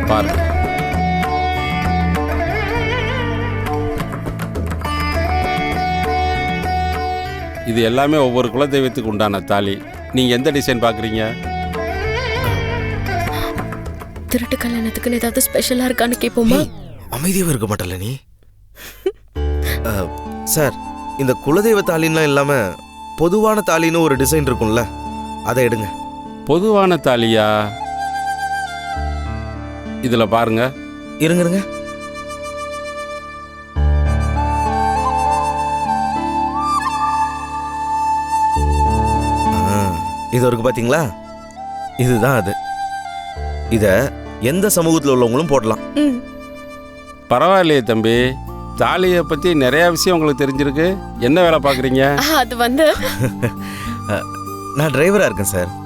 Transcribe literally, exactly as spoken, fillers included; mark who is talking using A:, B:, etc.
A: பாருங்க. இது எல்லாமே ஒவ்வொரு குலதெய்வத்துக்கு உண்டான தாலி. நீங்க எந்த டிசைன் பாக்குறீங்க?
B: திருட்டு கல்யாணத்துக்குன்னு ஏதாவது ஸ்பெஷலா இருக்கான்னு கேட்போமா?
C: அமைதியாவே இருக்க மாட்டல நீ. சார், இந்த குலதெய்வ தாலின்லாம் இல்லாம பொதுவான தாலின்னு ஒரு டிசைன் இருக்கும்ல, அதை எடுங்க.
A: பொதுவான தாலியா? இதுல பாருங்க.
C: இருங்க இருங்க. இது இருக்கு பாத்தீங்களா? இதுதான் அது. இத எந்த சமூகத்தில் உள்ளவங்களும் போடலாம்.
A: பரவாயில்லையே தம்பி, தாலியை பத்தி நிறைய விஷயம் உங்களுக்கு தெரிஞ்சிருக்கு. என்ன வேலை பாக்குறீங்க?
B: அது வந்து
C: நான் டிரைவரா இருக்கேன் சார்.